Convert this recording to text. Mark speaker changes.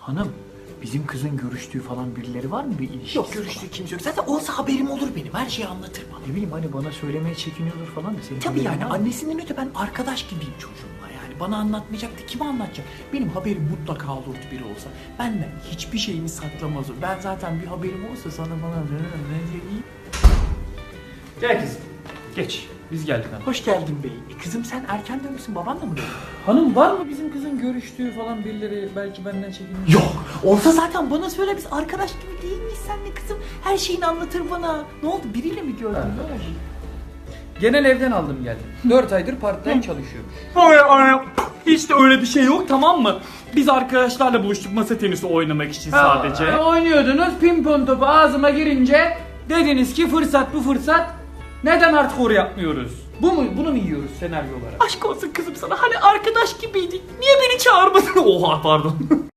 Speaker 1: Hanım, bizim kızın görüştüğü falan birileri var mı, bir ilişkisi
Speaker 2: Yok,
Speaker 1: falan?
Speaker 2: görüştüğü kimse yok. Zaten olsa haberim olur benim. Her şeyi anlatır bana.
Speaker 1: Ne bileyim, hani bana söylemeye çekiniyordur falan da senin
Speaker 2: Tabii
Speaker 1: haberin
Speaker 2: yani
Speaker 1: var mı?
Speaker 2: annesinden öte ben arkadaş gibiyim çocuğumla yani. Bana anlatmayacaktı, kime anlatacak? Benim haberim mutlaka olurdu biri olsa. Benden hiçbir şeyini saklamaz o. Ben zaten bir haberim olsa sana bana ne diyeyim?
Speaker 1: Gel kızım, geç. Biz geldik hanım.
Speaker 2: Hoş geldin bey. Kızım sen erken dönmüşsün, babanla mı döndün?
Speaker 1: Hanım, var mı bizim kızın görüştüğü falan birileri, belki benden çekiniyor?
Speaker 2: Yok. Olsa zaten bana söyle, biz arkadaş gibi değil miyiz senle kızım? Her şeyini anlatır bana. Ne oldu, biriyle mi gördün?
Speaker 1: Ha.
Speaker 2: Ne oldu?
Speaker 1: Genel evden aldım geldim. 4 aydır part-time çalışıyormuş.
Speaker 3: Hiç de öyle bir şey yok, tamam mı? Biz arkadaşlarla buluştuk masa tenisi oynamak için sadece.
Speaker 1: Oynuyordunuz, pimpon topu ağzıma girince dediniz ki fırsat bu fırsat. Neden hardcore yapmıyoruz? Bunu mu yiyoruz senaryo olarak?
Speaker 3: Aşk olsun kızım sana, hani arkadaş gibiydik. Niye beni çağırmadın? Oha, pardon.